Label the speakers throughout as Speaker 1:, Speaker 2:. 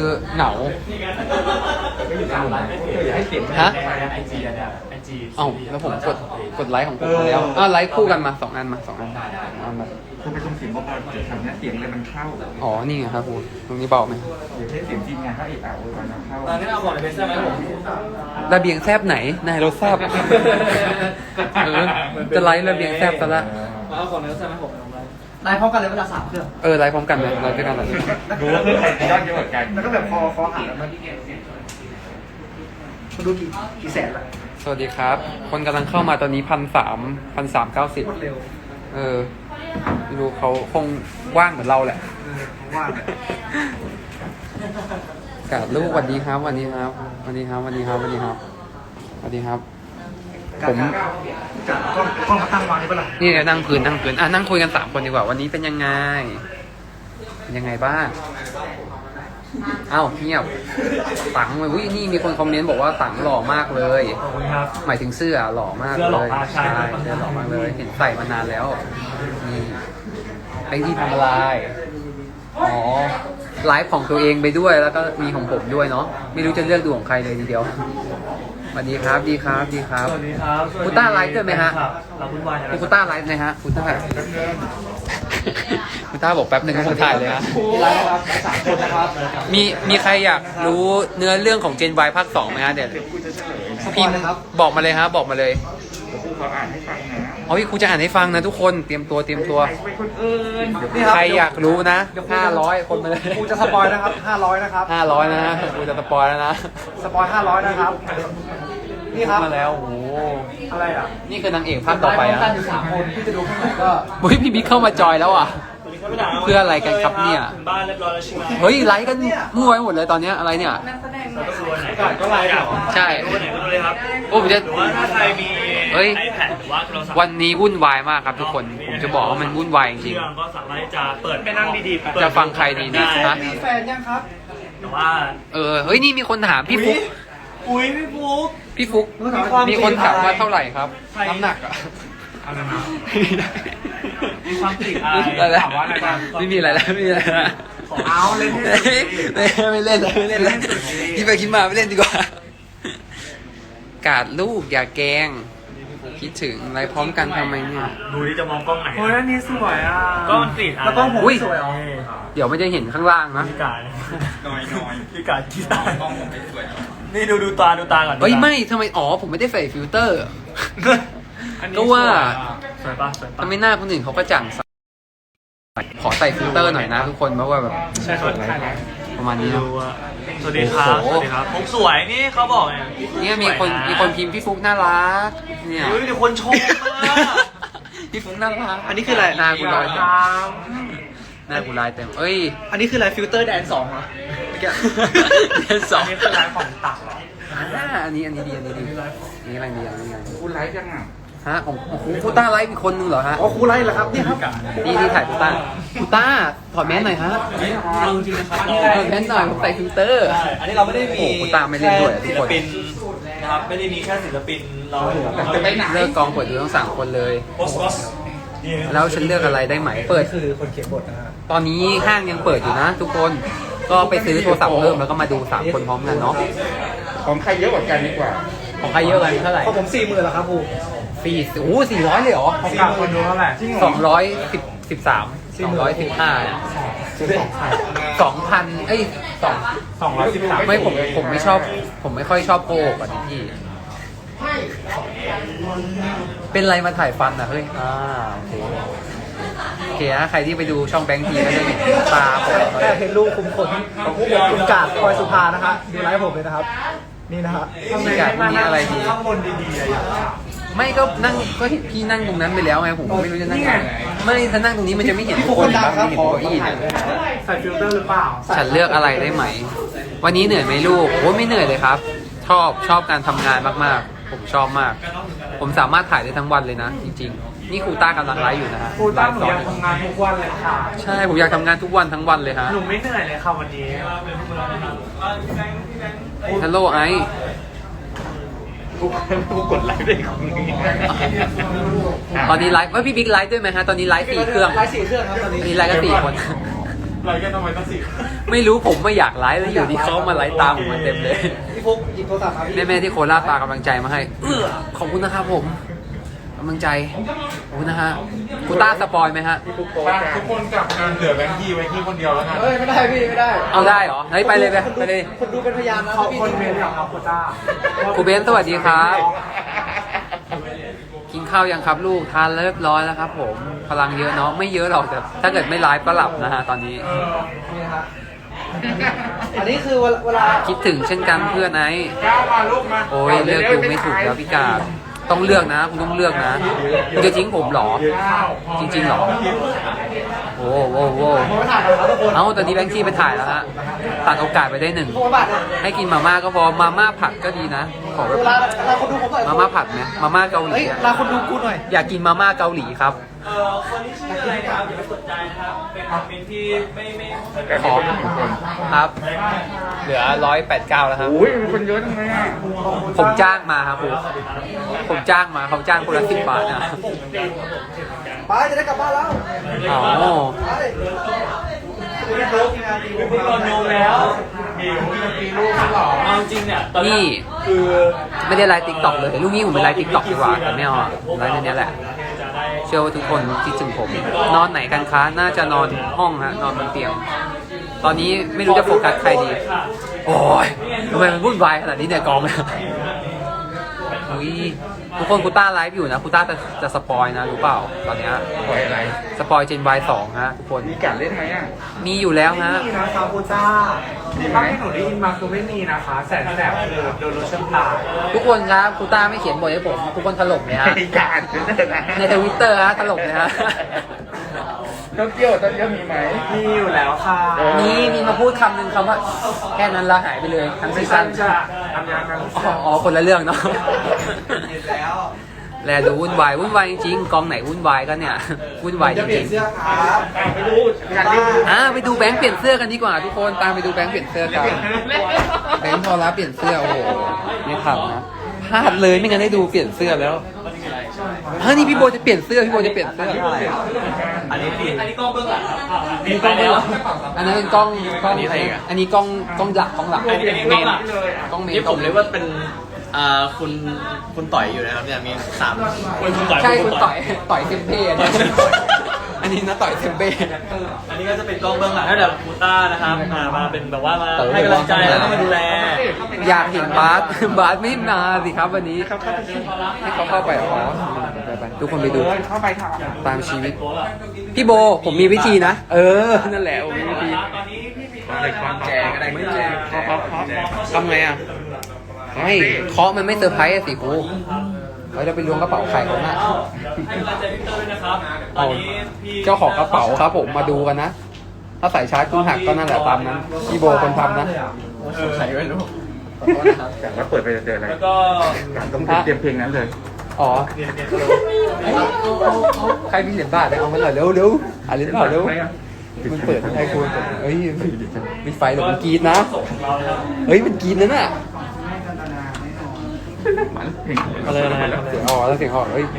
Speaker 1: คือเหงาฮะเอ้าแล้วผมกดไลค์ของผมไปแล้วไลค์คู่กันมา2 อันมา2 อันมา
Speaker 2: คุณไปชมเสียงเบาๆเดี๋ยวทำเนี้ยเสียงเลยมันเข้า
Speaker 1: อ๋อนี่ไงครับคุณตรงนี้เบาไหม
Speaker 2: เดี๋ยวให้เสียงทีมงานเขาอีกวันเข้า
Speaker 3: ตอนนี้เอาของในเบสได้ไหมผม
Speaker 1: ระเบียงแซบไหนนายรถแซบจะไลค์ระเบียงแซบซะละ
Speaker 3: เอาของในเบสได้ไหมผมไลฟ์พร้อมกันเลยเวลา3 เครื่อง
Speaker 1: ไลค์พร้อมกันเลยไลค์ด้วยกันเลย
Speaker 2: รู้ว่าเพื่อนใครจะยอดเยอะกว่ากัน
Speaker 3: แล้วก็แบบคอหาแล้วมันคุณดูกี่แสนละ
Speaker 1: สวัสดีครับคนกำลังเข้ามาตอนนี้1,390ไม่รู้เขาคงว่างเหมือนเราแหละ
Speaker 3: ว่าง
Speaker 1: กาดลูกสวัสดีครับสวัสดีครับสวัสดีครับสวัสดีครับสวัสดีครับสวัสดีครับผม
Speaker 3: กล้องมาตั้งวางนี่ปะล่ะ
Speaker 1: นี่นั่งพื้นนั่งคุยกัน3 คนดีกว่าวันนี้เป็นยังไงบ้างเอ้าเงียบตังค์เลยนี่มีคนคอมเมนต์บอกว่าตังค์หล่อมากเลย
Speaker 3: ขอบคุณครับ
Speaker 1: หมายถึงเสื้อหล่อมากเลยใช่เสื้อหล่อมากเลยเห็นใส่มานานแล้วนี่ไอ้ที่ทำอะไรอ๋อไลฟ์ของตัวเองไปด้วยแล้วก็มีของผมด้วยเนาะไม่รู้จะเลือกดูของใครเลยทีเดียวสวัสดีครับดีครับสวัสดีครับคุณต้าไลฟ์ด้วยไหมฮะคุณต้าไลฟ์นะฮะคุณต้าคุณต้าบอกแป๊บหนึ่งผมถ่ายเลยฮะ
Speaker 3: ไลฟ์ครับ3 คนนะครับ
Speaker 1: มีใครอยากรู้เนื้อเรื่องของ Gen Y ภาค 2ไหมฮะเดี๋ยวพิมพ์บอกมาเลยฮะบอกมาเลย
Speaker 2: เขาอ่านให้ฟังนะ
Speaker 1: ครูจะอ่านให้ฟังนะทุกคนเตรียมตัวใครอยากรู้นะ500 คนมาเลย
Speaker 3: ครูจะสปอยนะครับ500นะครับ
Speaker 1: 500นะครูจะสปอยแล้วนะ
Speaker 3: สปอย500นะครับนี่ครับ
Speaker 1: มาแล้วโอ้โห
Speaker 3: อะไรอ่ะ
Speaker 1: นี่คือนางเอกภาคต่อไปอ่ะ
Speaker 3: อยู่3 คนที่จะดูข้างในก็
Speaker 1: พี่บิ๊กเข้ามาจอยแล้วอ่ะเพื่ออะไรกันครับเนี่ย
Speaker 3: บ้านเรียบร้อยแล้วใช่ไหม
Speaker 1: เฮ้ยไลค์กันมั่วไปหมดเลยตอนนี้อะไรเนี่ย
Speaker 3: ก็ไลค์
Speaker 1: ใช่
Speaker 3: ดูไหนก็ดูเลยครับ
Speaker 1: ผมจะ
Speaker 3: ว่าถ้าใครมี
Speaker 1: iPad หรือว่าโทรศัพท์วันนี้วุ่นวายมากครับทุกคนผมจะบอกว่ามันวุ่นวายจริง
Speaker 3: ๆก็สามารถจะเปิดไปนั่งดี
Speaker 1: ๆจะฟังใครดีนะ
Speaker 3: มีแฟนยังครับแต่ว่า
Speaker 1: เฮ้ยนี่มีคนถามพี่ฟุ๊กพี่ฟุ๊กมีคนถามว่าเท่าไหร่ครับน้ำหนักอะ
Speaker 3: อะไรนะมีความติดอะไรถามว่าอะไรบ้าง
Speaker 1: ไม่มีอะไรแล้วไม่มีอะไรแล้ว
Speaker 3: เอาเล่น
Speaker 1: ไม่เล่นแล้วคิดไปคิดมาไม่เล่นดีกว่ากาดลูกอย่าแกงคิดถึงอะไรพร้อมกันทำไมเนี่ย
Speaker 3: ดูที่จะมองกล้องไหนโอ้ยอันนี้สวยอ่ะก็มันติดแล้วก็ผมสวยอ๋อ
Speaker 1: เดี๋ยวไม่จะเห็นข้างล่างนะ
Speaker 3: พี่กาดน้อยพี่กาดที่ตากล้องผมไม่สวยนี่ดูตาก่อน
Speaker 1: เฮ้ยไม่ทำไมผมไม่ได้ใส่ฟิลเตอร์ก็ว่าทำไมหน้าคนอื่นเขาก็จังขอใส่ฟิลเตอร์หน่อยนะทุกคนเพราะว่าแบบ
Speaker 3: ใช่ครับ
Speaker 1: ประมาณนี้นะ
Speaker 3: สวัสดีครับผมสวยนี่เขาบอก
Speaker 1: เนี่ยมีคนพิมพ์พี่ฟุ๊กน่ารักเนี่ย
Speaker 3: มีคนชม
Speaker 1: พี่ฟุ๊กน่ารัก
Speaker 3: อันนี้คืออะไร
Speaker 1: หน้ากูลอยเต็ม
Speaker 3: อันนี้คืออะไรฟิลเตอร์แดน2เหรอ
Speaker 1: แดน2
Speaker 3: นี่คือไลฟ์ของตักเหรอ
Speaker 1: อันนี้ดีนี่อะไรดี
Speaker 2: คุณไลฟ์ยังอ่ะ
Speaker 1: ฮะของครูต้าไลฟ์อีกคนนึงเหรอฮะ
Speaker 3: อ๋อครูไลฟ์เหรอครับนี่ครับ
Speaker 1: นี่ถ่ายครูต้าถอดแมสหน่อยฮะ
Speaker 3: เอาจริงนะครับ
Speaker 1: ถอดแมสหน่อยผมใส่ฟิลเตอร์
Speaker 3: อันนี้เราไม่ได้มี
Speaker 1: ครูต้าไม่เล่นด้วยทุกคน
Speaker 3: นะครับไม่ได้มีแค่ศิลปินเรา
Speaker 1: เลิกกองเปิดดูทั้ง3 คนเลยแล้วฉันเลือกอะไรได้ไหมเปิด
Speaker 3: คือคนเขียนบทนะฮะ
Speaker 1: ตอนนี้ห้างยังเปิดอยู่นะทุกคนก็ไปซื้อโทรศัพท์เพิ่มแล้วก็มาดู3 คนพร้อมกันเนาะ
Speaker 2: ของใครเยอะกว่ากันดีกว่า
Speaker 1: ของใครเยอะกันเท่าไหร่
Speaker 3: ของผม40,000แล้วครับครู
Speaker 1: 400เลยเหรอ
Speaker 3: 40,000คนดูเท่าไหร่
Speaker 1: 213 2,000ไม่ผมไม่ชอบผมไม่ค่อยชอบโกหกอ่ะพี่เป็นไรมาถ่ายฟันอ่ะเฮ้ยโอเคนะใครที่ไปดูช่องแบงค์ทีก็จะเห็นตาผม
Speaker 3: เห็นลูกคุมขนของคุณกาดคอยสุภานะคะดูไลฟ์ผมเลยนะครับนี่นะครับ
Speaker 1: พี่กาดมีอะไรดี
Speaker 3: ข้างบนดีๆเลย
Speaker 1: ไม่ก็นั่งก็เห็นพี่นั่งตรงนั้นไปแล้วไงผมไม่รู้จะนั่งไงไม่ถ้านั่งตรงนี้มันจะไม่เห็นคนครับไม่เห็นโต๊ะอี้เนี่ย
Speaker 3: ใส่ฟิลเตอร์หรือเปล่า
Speaker 1: ฉันเลือกอะไรได้ไหมวันนี้เหนื่อยไหมลูกโอ้ไม่เหนื่อยเลยครับชอบการทำงานมากๆผมชอบมากผมสามารถถ่ายได้ทั้งวันเลยนะจริงๆนี่ครูต้ากำลังไลฟ์อยู่นะฮะ
Speaker 3: ครูต้าหนูอยากทำงานทุกวันเลยค่ะ
Speaker 1: ใช่ผมอยากทำงานทุกวันทั้งวันเลยฮะ
Speaker 3: หนูไม่เหนื่อยเลยค่ะวันนี้
Speaker 1: ฮัลโหลไอ
Speaker 2: กูกดไลฟ์ได้ของนี้
Speaker 1: ตอนนี้ไลฟ์พี่บิ๊กไลฟ์ด้วยไหมฮะตอนนี้ไลฟ์4 เครื่อง
Speaker 3: ไลฟ์4 เครื่องครับตอนนี้
Speaker 1: ไลฟ์ก็4 คน
Speaker 3: ไลฟ์กันทำไมต้อง4
Speaker 1: ไม่รู้ผมไม่อยากไลฟ์แล้วอยู่ที่เขามาไลฟ์ตามผมมาเต็มเลย
Speaker 3: พี่ฟุกหยิบโทรศัพท์มาพี่
Speaker 1: แม่ๆที่โคราชปากำลังใจมาให้ขอบคุณนะครับผมกำลังใจขอบคุณนะฮะกูต้าสปอยไหมฮะ
Speaker 2: ทุกคนกลับกันเหลือแบงค์ยี่ไว้ที่คนเดียวแล้วกัน
Speaker 3: เฮ้ยไม่ได้พี่ไม่ได้
Speaker 1: เอาได้เหรอเฮ้ยไปเลยไปเลย
Speaker 3: คนดูเป็นพยานนะพี่คนเมนกับโคต้า
Speaker 1: ครูเบนซ์สวัสดีครับ กินข้าวยังครับลูกทานเรียบร้อยแล้วครับผมพลังเยอะเนาะไม่เยอะหรอกแต่ถ้าเกิดไม่ไลฟ์ก็หลับนะฮะตอนนี้
Speaker 3: นี่ฮะอันนี้คือเวลา
Speaker 1: คิดถึงเช่นกันเพื่อนไอ้
Speaker 2: ก้าวมาลูกมา
Speaker 1: โอ้ยเลือกดูไม่ถูกแล้วพี่กาดต้องเลือกนะคุณต้องเลือกนะคุณจะทิ้งผมเหรอ จริงๆเหรอโอ้โห
Speaker 3: ผมไปถ่ายกับเขาทุกคน
Speaker 1: เอ้าตอนนี้แบงค์ที่ไปถ่ายแล้วฮะตัดโอกาสไปได้หนึ่ง
Speaker 3: โทรบัตรเนี่ย
Speaker 1: ให้กินมาม่าก็พอมาม่าผัดก็ดีนะขอแบบ
Speaker 3: เวลาคนดูผมหน่อย
Speaker 1: มาม่าผัดไหมมาม่าเกาหลี
Speaker 3: เฮ้ย
Speaker 1: อะ
Speaker 3: ลาคนดูกูหน่อย
Speaker 1: อยากกินมาม่าเกาหลีครับ
Speaker 4: คนที่ชื่ออะไรครับอย่าไปสนใจนะครับ เป็นคอมเมนต์ที่ไม่
Speaker 2: แต่ขอเป็นหนึ่งคน
Speaker 1: ครับ เหลือ189แล้วครับ
Speaker 2: โอ้ยมีคนเยอะทำไมอ่ะ
Speaker 1: ผมจ้างมาครับผมจ้างมาเขาจ้างคนละ10 บาทนะ
Speaker 3: ไปจะได้กลับบ้านแล้ว
Speaker 1: อ๋อ
Speaker 3: ไป
Speaker 4: มีตอนโยงแล้ว
Speaker 2: มีลูกหรอ
Speaker 4: เอาจริงเนี่ยตอนแร
Speaker 1: นี่
Speaker 4: กคือ
Speaker 1: ไม่ได้ไลฟ์ติ๊กต็อกเลยลูกนี้ผมไปไลฟ์ติ๊กต็อกดีกว่าแต่ไม่เอาอะไลฟ์ในนี้แหละ
Speaker 4: จะได้
Speaker 1: เชื่อว่าทุกคนคิดถึงผม นอนไหนกันคะ น่าจะนอนห้องฮะ นอนบนเตียง ตอนนี้ไม่รู้จะโฟกัสใครดี โอ้ยทำไมมันวุ่นวายขนาดนี้เนี่ยกองเนี่ยอุ้ยทุกคนกูต้าไลฟ์อยู่นะกูต้าจะสปอยนะรู้เปล่า ตอนเนี้ย
Speaker 2: ปล่อยอะไร
Speaker 1: สปอยเจน Y2 ฮะทุกคน
Speaker 2: มีการเล่นไหมอ่ะ
Speaker 1: มีอยู่แล้วฮะ
Speaker 3: นี่นะครับโคต้า
Speaker 2: มีไหม
Speaker 5: ถ้าที่หนูได้ยินมาคือไม่มีนะคะ แสนแสบคือโดนรถชนตาย
Speaker 1: ทุกคนครับกูต้าไม่เขียนบทให้ผม ทุกคนถล่มเลยฮะ
Speaker 2: มีการนะ
Speaker 1: ในทวิตเตอร์ฮะถล่มเลยฮะ
Speaker 2: โตเกียวมีไหม
Speaker 5: มีอยู่แล้วค่ะ
Speaker 1: มีมาพูดคำหนึ่งคำว่า แค่นั้นละหายไปเลยทั้งซี
Speaker 5: ไม่ใช่
Speaker 1: ซั่น
Speaker 5: จะทำยากัน
Speaker 1: อ๋อคนละเรื่องเนาะแลดูวุ่นวายจริงๆกองไหนวุ่นวายก็เนี่ยวุ่นวายจ
Speaker 3: จะเปลี่ย
Speaker 1: ริ
Speaker 3: น
Speaker 1: ง
Speaker 3: เสื้อครับ
Speaker 2: ไปดูการเล่น
Speaker 1: ๆไปดูแบงค์เปลี่ยนเสื้อกันดีกว่าทุกคนตามไปดูแบงค์เปลี่ยนเสื้อกันแบงค์พอรับเปลี่ยนเสื้อโอ้โหไม่ทำนะพลาดเลยไม่งั้นได้ดูเปลี่ยนเสื้อแล้วนี่พี่โบจะเปลี่ยนเสื้อพี่โบจะเปลี่ยนเสื้อ
Speaker 4: อันนี้กล้องเบื้องหลังครับ
Speaker 1: มีกล้องแล้วอันนั้นเป็นกล้องอะไรอันนี้กล้องหลัก
Speaker 4: อันนี้กล้องหลัง
Speaker 1: กล้องเมน
Speaker 6: นี่ผมเรียกว่าเป็นคุณต่อยอยู่นะครับเนี่ยมี3
Speaker 4: คุณต่อย
Speaker 1: ใช่คุณต่อยเซมเป้อันนี้อันนี้นะต่อยเซมเป้
Speaker 4: อันนี้ก็จะเป็นกล้องเบื้องหลังให้แบบคูต้านะครับมาเป็นแบบว่ามาให้กำลังใจแล้วก็มาดูแล
Speaker 1: อยากเห็นบาสไม่มาสิครับวันนี้ให้เขาเข้าไปอ๋อไปทุกคนไปดู
Speaker 2: เข้าไปท
Speaker 1: ตามชีวิต พี่โบผมมีวิธีนะ นั่นแหละผมมีวิธี
Speaker 4: ตอนนี้พี่มี
Speaker 2: ำอะไรความแจกอะไรไม่แจกเคาะ
Speaker 1: ทำไงอ่ะไม่เคาะมันไม่เซอร์ไพรส์อะสิครูเราจะไปล้วงกระเป๋าใครเขาน่ะ
Speaker 4: ให้กำลังใจพี่เตอร์ด้วยนะครับ ตอนนี้พี่
Speaker 1: เจ้าของกระเป๋าครับผมมาดูกันนะ ถ้าใส่ชาร์จคุณหักก็นั่นแหละตามนั้นพี่โบคนทำนะ
Speaker 6: ใครไม่รู้
Speaker 2: แต่ว่าเปิดไปจะเจออะไร
Speaker 4: แล้วก็
Speaker 2: ต้องเตรียมเพลงนั้นเลย
Speaker 1: อ๋อใครมีเหรียญบาทเนี่ยเอามาหน่อยเร็วเหรียญบาทเร็วมันเปิดให้คุณเฮ้ยมีไฟหรือมันกรีดนะ เฮ้ยมันกรีดนั่นน่ะ
Speaker 2: อะไร
Speaker 1: เสียงออกแล้วเสียงออกเฮ้ย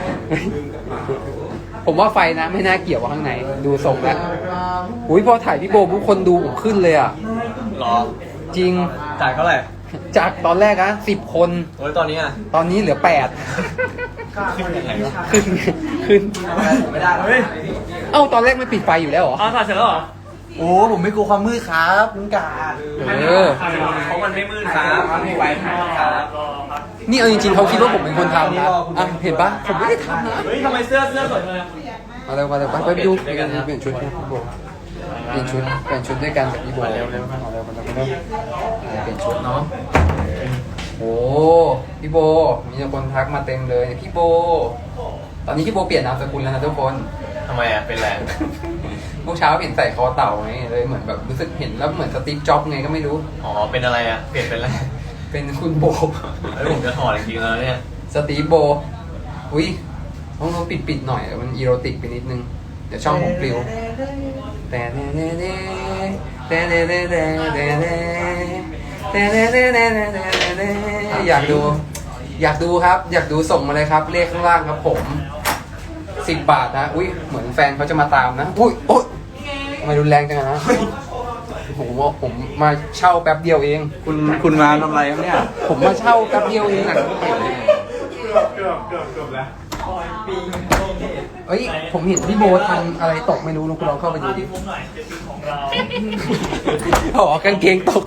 Speaker 1: ผมว่าไฟนะไม่น่าเกี่ยวกับข้างในดูทรงแล้วอุ้ยพอถ่ายพี่โบทุกคนดูผมขึ้นเลยอ่ะ
Speaker 6: หรอ
Speaker 1: จริง
Speaker 6: จ่ายเท่าไหร่
Speaker 1: จากตอนแรกอะ10 คน
Speaker 6: โอ้ยตอนนี้อ่ะ
Speaker 1: ตอนนี้เหลือ8
Speaker 6: ขึ้นยังไงวะ
Speaker 1: ขึ้น
Speaker 3: ไม่ได้เฮ้ย
Speaker 1: เอ้าตอนแรกไม่ปิดไฟอยู่แล้วเหรอ
Speaker 4: ถ่ายเสร็จแล้วเหรอ
Speaker 3: โอ้ผมไม่กลัวความมืดครับลุงกาด
Speaker 4: เพราะมันไม่มืดครับไม่ไหวครับ
Speaker 1: นี่เอาจริงๆเขาคิดว่าผมเป็นคนทำนะอ่ะเห็นปะผมไม่ได้ทำนะ
Speaker 4: เฮ้ยทำไมเสื้อสวยเลย
Speaker 1: มาเร็วไปดูเปลี่ยนชุดนะพี่โบเปลี่ยนชุดด้วยกันกับพี่โบเร็วเปลี่ยนชุดเนาะโอ้พี่โบมีคนทักมาเต็มเลยพี่โบ ตอนนี้พี่โบเปลี่ยนนามสกุลแล้วนะทุกคน
Speaker 6: ทำไมอ่ะ เป็นไร
Speaker 1: เมื่อเช้าเห็นใส่คอเต่าไงเลยเหมือนแบบรู้สึกเห็นแล้วเหมือนสตีฟจ็อบส์ไงก็ไม่รู้
Speaker 6: อ๋อ เป็นอะไรอ่ะ เปลี่ยนเป็นอะไร
Speaker 1: เป็นคุณโบ
Speaker 6: แล้วผมจะถอดจริงๆแล้วเนี่ย
Speaker 1: สตีฟโบอุ้ยต้องปิดหน่อยมันอีโรติกไปนิดนึงเดี๋ยวช่องผมปลิวแต่อยากดูครับ อยากดูส่งมาเลยครับเลขข้างล่างครับผม10 บาทนะอุ้ยเหมือนแฟนเขาจะมาตามนะอุ้ยโอ๊ยทำไมรุนแรงจังอะนะผมมาเช่าแป๊บเดียวเอง
Speaker 6: คุณมาทำอะไรครับเนี่ย
Speaker 1: ผมมาเช่าแป๊บเดียวเอง
Speaker 5: เกือบแล้ว
Speaker 1: เอ้ยผมเห็นพี่โบททำอะไรตกไม่รู้คุณลองเข้าไปดูดิ
Speaker 4: ผมหน่อยเจ็ดปีของเรา
Speaker 1: อ๋อกางเกงตก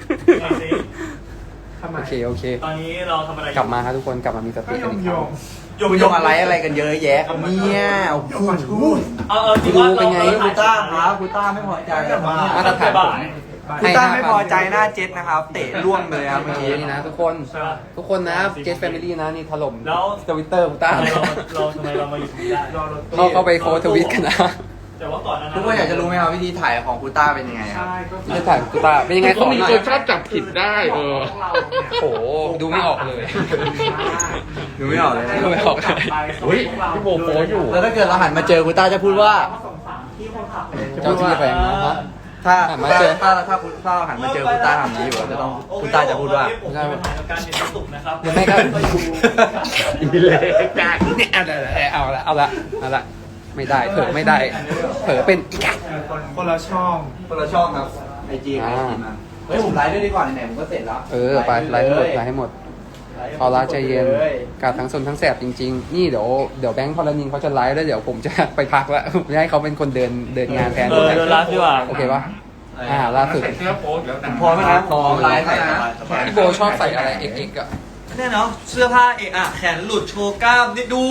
Speaker 1: โอเคโอเค
Speaker 4: ตอนนี้เราทำอะไร
Speaker 1: กลับมาครับทุกคนกลับมามีสติกันอีกครั้ง
Speaker 6: คุณยงอะไรกันเยอะแยะครับเนี่ยโอ้โห
Speaker 4: จริงว่า
Speaker 1: เป็นไง
Speaker 6: คุณต้าครับคุณต้าไม่พอใจครับ
Speaker 1: มาตรฐานผม
Speaker 6: คุณต้าไม่พอใจหน้าเจ็ดนะครับ เตะล่วงเลยครับเมื่อกี้
Speaker 1: นี่นะทุกคนนะเจสแฟมิลี่นะนี่ถล่ม
Speaker 4: แล้ว
Speaker 1: ทวิตเตอร์คุณต้า
Speaker 4: ทำไมเรามาอยู่ตรงนี้ได้
Speaker 1: เข้าไปโค้ดทวิตกันนะ
Speaker 4: แต่ว่าก่อนนั้น
Speaker 6: ทุกคนอยากจะรู้ไหมครับวิธีถ่ายของคุณต้าเป็นยังไงครับ
Speaker 1: ไม่ถ่ายคุณต้าเป็นยังไง
Speaker 2: เขามีคนชอบจับผิดได้
Speaker 5: เราเนี่ย
Speaker 1: โอ้โหดูไม่ออกเลย
Speaker 6: ดูไม่ออกเลยนะ
Speaker 1: ดูไม่ออกเลย
Speaker 2: เฮ้ยพี่โบโพสอยู่
Speaker 6: แล้วถ้าเกิดเราหันมาเจอคุณต้าจะพูดว่า
Speaker 1: เจ้าที่แรงนะฮะ
Speaker 6: ถ้า
Speaker 1: หันมาเจอ
Speaker 6: ถ้าคุณต้าหันมาเจอคุณต้าทำนี้อยู่จะต้องคุณต้าจะพูดว่า
Speaker 4: ผมมีปัญหากับการเรียนสุขนะครับ
Speaker 1: หรือไม่ก็
Speaker 2: อีเล็กจัง
Speaker 1: เนี่ยเอาละไม่ได้เผลอไม่ได้เผลอเป็นอีกอะ
Speaker 3: คนละช่อง
Speaker 6: คนละช่องครับไอจีไอจีมาเฮ้ยผมไลฟ์ด้วยดีกว่าไหนๆผมก็เสร็จแล้ว
Speaker 1: ไปไลฟ์ให้หมดเอาละใจเย็นการทั้งซนทั้งแสบจริงๆนี่เดี๋ยวแบงค์พลนินเขาจะไลฟ์แล้วเดี๋ยวผมจะไปพักแล้วไม่ให้เขาเป็นคนเดินงานแทน
Speaker 4: เดินไลฟ์ดีกว่า
Speaker 1: โอเคปะล่าสุด
Speaker 2: ใส่เสื้อโป๊แล้วนะ
Speaker 6: พอไหมนะพอไลฟ์นะ
Speaker 1: พี่โบชอบใส่อะไรเอ็กอะ
Speaker 4: เนี่ยเนาะเสื้อผ้าเอกอะแขนหลุดโชว์กล้ามนี่ดู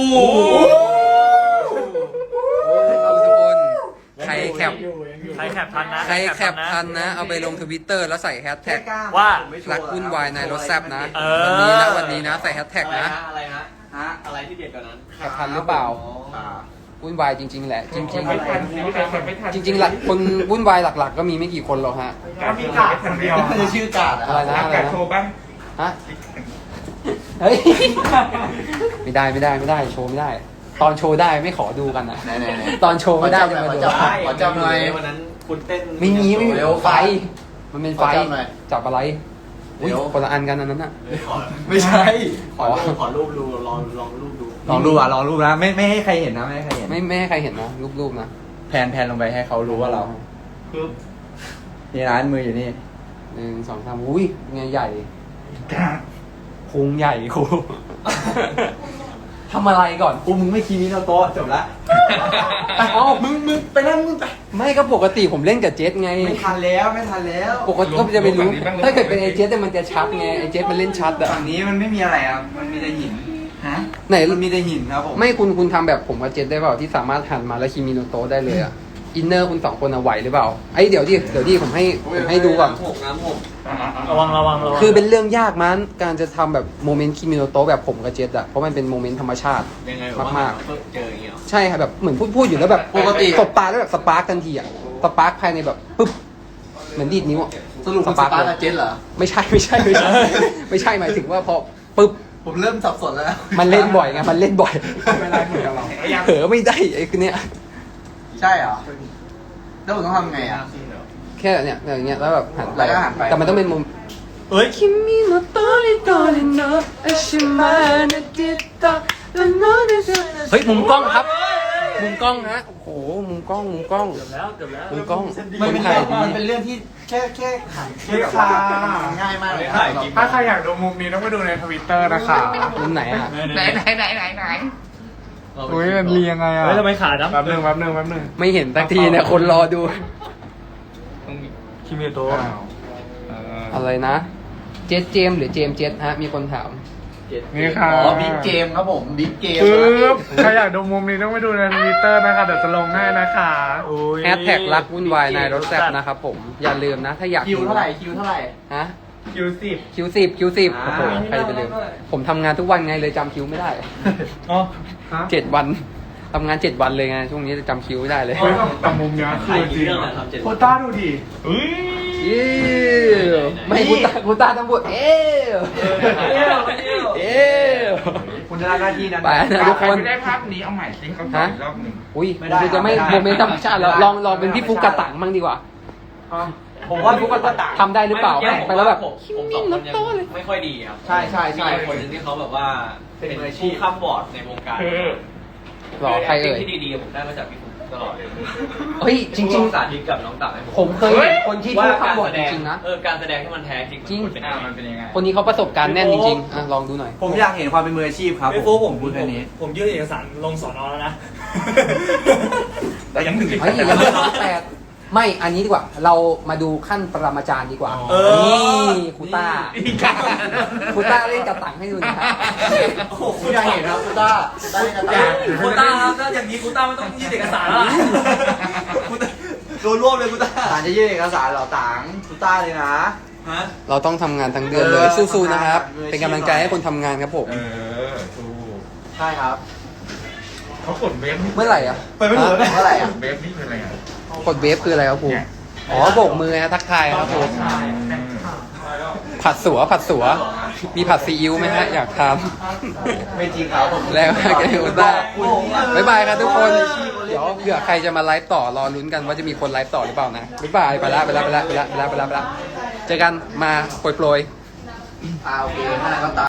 Speaker 1: ทุกคนใครแคป
Speaker 4: ใครแคปทันนะ
Speaker 1: ใครแคปทันนะ เอาไปลงทวิตเตอร์แล้วใส่แฮชแท็ก
Speaker 4: ว่า
Speaker 1: รักวุ่นวายในรถแซบนะ
Speaker 4: เออ
Speaker 1: วันนี้นะใส่แฮชแท็กนะ
Speaker 6: อะไรฮะอะไรที่เด็ดกว่านั้น
Speaker 1: แคปทันหรือเปล่าวุ่นวายจริง ๆ แหละ จริง
Speaker 2: ไม่ทันสิไม่ทันไม่ทัน
Speaker 1: ๆ จริงๆหลักคนวุ่นวายหลัก ๆ ก็มีไม่กี่คนหรอกฮะ
Speaker 5: ก็มีกาดคนเดียว
Speaker 6: มันจะชื่อกาด
Speaker 1: อะไรนะ
Speaker 2: กาโชว์บ้าง
Speaker 1: ฮะเฮ้ยไม่ได้โชว์ไม่ได้ ตอนโชว์ได้ไม่ขอดูกันนะ
Speaker 6: ไหน
Speaker 1: ตอนโชว์ไม่ได้จะมาดู
Speaker 6: ขอจับหน่อยวันนั้นคุณเต้น
Speaker 1: ไม่มี
Speaker 6: เร็ว
Speaker 1: ไฟ มันเป็นไฟ
Speaker 6: ขอจับหน่อย
Speaker 1: จับอะไรอุ้ย
Speaker 6: เดี๋ยว
Speaker 1: คนละอันกันอันนั้นน่ะ
Speaker 6: ไม่ใช่ ขอรูปดูลองรูปดูลองรูปนะไม่ให้ใครเห็นนะไม่ให้ใครเห็น
Speaker 1: ไม่ให้ใครเห็นนะรูปๆนะ
Speaker 6: แพนลงไปให้เขารู้ว่าเรานี่ร้านมืออยู่นี่
Speaker 1: 1 2 3อุ้ยไงใหญ่พุงใหญ่ครู ทำอะไรก่อน
Speaker 6: กูมึงไม่คีมิโนโตะจบละ
Speaker 1: เอ้า
Speaker 6: มึงไปนั่งมึงไป
Speaker 1: ไม่ก็ปกติผมเล่นกับเจสไง
Speaker 6: ไม่ทันแล้ว
Speaker 1: ปกติก็จะไปรู้ ถ้าเกิดเป็นไอเจสเนี่ยมันจะชัดไงไอเจสมันเล่นชัดอะ
Speaker 6: ฝั่งนี้มันไม่มีอะไรครับมันมีแต่หินฮะ
Speaker 1: ไหน
Speaker 6: มันมีแต่หินครับผม
Speaker 1: ไม่คุณทำแบบผมกับเจสได้เปล่าที่สามารถหันมาแล้วคิมิโนโตะได้เลยอะอินเนอร์คุณสองคนอะไหวหรือเปล่าไอยเดี๋ยวดิผมให้ดูก่อน
Speaker 6: น้ำหก
Speaker 4: ระวัง
Speaker 1: คือเป็นเรื่องยากมั้งการจะทำแบบโมเมนต์คิมิโนโตะแบบผมกับเจสอะเพราะมันเป็นโมเมนต์ธรรมชาติ
Speaker 6: ยังไง
Speaker 1: มาก
Speaker 6: เจออย่างเงี้ย
Speaker 1: ๆใช่ครับแบบเหมือนพูดอยู่แล้วแบบ
Speaker 6: ปกติ
Speaker 1: ตบตาแล้วแบบสปาร์กทันทีอะสปาร์กภายในแบบปึ๊บเหมือนดีดนิ้วอะ
Speaker 6: สรุปคุณสปาร์กกับเจนเหรอ
Speaker 1: ไม่ใช่ไม่ใช่หมายถึงว่าพอปึ๊บ
Speaker 6: ผมเริ่มสับสนแล้ว
Speaker 1: มันเล่นบ่อยไงมันเล่นบ่อย
Speaker 5: เวลาเหมือนกับเรา
Speaker 1: เผลอไม่ได้ไอ้คนเนี้ย
Speaker 6: ใช่เหรอแล้วผมต้องทำไงอ่ะ
Speaker 1: แค่เนี่ยอย่างเงี้ยแล้วแบบหันไป
Speaker 6: แล้วก็หันไป
Speaker 1: แต่มันต้องเป็นมุม
Speaker 4: เฮ้ย
Speaker 1: คิมิโนโตะริโตริโนะเอชิมานะจิตะละโนะนะเฮ้ยมุมกล้องครับ มุมกล้องฮะโอ้โหมุมกล้อง
Speaker 4: เกือบแล้ว
Speaker 1: มุมกล้อง
Speaker 6: มันเป็น
Speaker 1: ถ่าย
Speaker 6: เรื่อง
Speaker 1: ดี
Speaker 6: มันเป็นเรื่องที่แค่หันแค่แบบ
Speaker 5: ค่ะ
Speaker 6: ง่ายมากเลย
Speaker 5: ถ้าใครอยากดูมุมนี้ต้องไปดูในทวิตเตอร์นะคะ
Speaker 1: มุมไหนอะ
Speaker 5: ไหนอุ้ยมันเรียงไงอ่ะ
Speaker 4: เฮ้ยทำไมขาดนะ
Speaker 5: แป๊บหนึง
Speaker 1: ไม่เห็นสักทีเนี่ยคนรอดู
Speaker 4: คิมิโตะ
Speaker 1: อะไรนะ เจสเจมส์หรือเจมส์เจสฮะมีคนถาม
Speaker 5: นี่ค่ะ
Speaker 6: อ๋อบิ๊กเกมครับผมบิ๊กเกม
Speaker 5: ปึ๊บใครอยากดูมุมนี้ต้องไปดูในทวิตเตอร์นะคะเดี๋ยวจะลงให้นะคะ
Speaker 1: แฮชแท็กรักวุ่นวายในรถแซ่บนะครับผมอย่าลืมนะถ้าอยาก
Speaker 6: คิว
Speaker 1: ดู
Speaker 6: เท่าไหร่
Speaker 1: ฮะ
Speaker 5: คิวสิบ
Speaker 1: คิว10โอ้โหใครจะไปลืมผมทำงานทุกวันไงเลยจำคิวไม่ได้
Speaker 4: อ๋อ
Speaker 1: 7 วันทำงาน7 วันเลยไงช่วงนี้จะจำคิวไม่ได้เลย
Speaker 5: เฮ้ยแต่มุมเนี้ยคือจริง
Speaker 4: เรื่องอะไรครับเจ็ด
Speaker 5: โคต้าดูดิ
Speaker 2: เฮ้ย
Speaker 1: เย้ไม่กูตาต้องพูดเอ๊ะเอ๊ะ
Speaker 6: คุณจะรับหน้าที่นั้น
Speaker 1: ไปนะทุกคน
Speaker 2: ไม่ได้ภาพนี้เอาใหม่สิเขาถ่ายอีกรอบหนึ่ง
Speaker 1: อุ้ยกูจะไม่โมเมนต์ธรรมชาติแล้วลองเป็นพี่ฟุกกระตังมั่งดีกว่า
Speaker 6: ผมว่าทุกคนก็ต่าง
Speaker 1: ทำได้หรือเปล่าไปแล้วแบบ
Speaker 7: ผมสองคนยังไม่ค่อยดีครับ
Speaker 6: ใช่
Speaker 7: มีคนหนึ่งที่เขาแบบว่าเป็นผู้ข้ามบอร์ดในวงการ
Speaker 1: หรอใครเอ่ย
Speaker 7: ที่ดีๆผมได้มาจากพี่ฟุ๊กตลอดเลย
Speaker 1: เฮ้ยจริง
Speaker 7: สาธิตกับน้องตักให้
Speaker 1: ๆ ผมเคยเห็นคนที่พูดคำบอกจริงๆนะ
Speaker 7: การแสดงที่มันแท้จริง
Speaker 1: จริง
Speaker 7: มันเป็นยังไง
Speaker 1: คนนี้เขาประสบการณ์แน่นจริงๆลองดูหน่อย
Speaker 6: ผมอยากเห็นความเป็นมืออาชีพครับ
Speaker 4: ไม่ฟูผม
Speaker 6: พูดแค่นี้
Speaker 4: ผมยื่นเอกสารลงสอนอแล้วนะ
Speaker 2: แต่ยังถึง
Speaker 1: เฮ้ยยังไม่ร้องแปดไม่อันนี้ดีกว่า เรามาดูขั้นปรมาจารย์ดีกว่า นี่ครูต้าครูต้าเล่นกระตังให้ดูหนะครับ
Speaker 6: คุณอยากเห็นครับคุณต้าได้กระตา
Speaker 4: คูต้าครับถ้าอย่างนี้คูต้าไม่ต้องยื่นเอกสารแล้วล่ะ
Speaker 6: โดนรวบเลยคุณต้าต่างจะยื่นเอกสารเหรอต่างคุณต้าเลยนะ
Speaker 1: เราต้องทำงานทั้งเดือนเลยสู้ๆนะครับ เป็นกำลังใจให้คนทำงานครับผม
Speaker 2: ถูก
Speaker 6: ใช่ครับ
Speaker 2: เขากดเวฟนี่
Speaker 1: เมื่อไหร่อ่ะ
Speaker 6: ไปไม่ถูกเลยเมื่อไหร่อ่ะ
Speaker 2: เวฟนี่คืออะไรอ่ะ
Speaker 1: กดเวฟคืออะไรครับครูอ๋อโบกมือนะทักทายครับผมผัดสัวมีผัดซีอิ๊วไหมฮะอยากท
Speaker 6: ไม่จริงครับผม
Speaker 1: ำแล้วแกอุต้าบ๊ายบายครับทุกคน เดี๋ยวเผื่อใครจะมาไลฟ์ต่อรอลุ้นกันว่าจะมีคนไลฟ์ต่อหรือเปล่านะบ๊ายบายไปละเจอกันมาโปรย
Speaker 6: โอเคหน้าก็ตา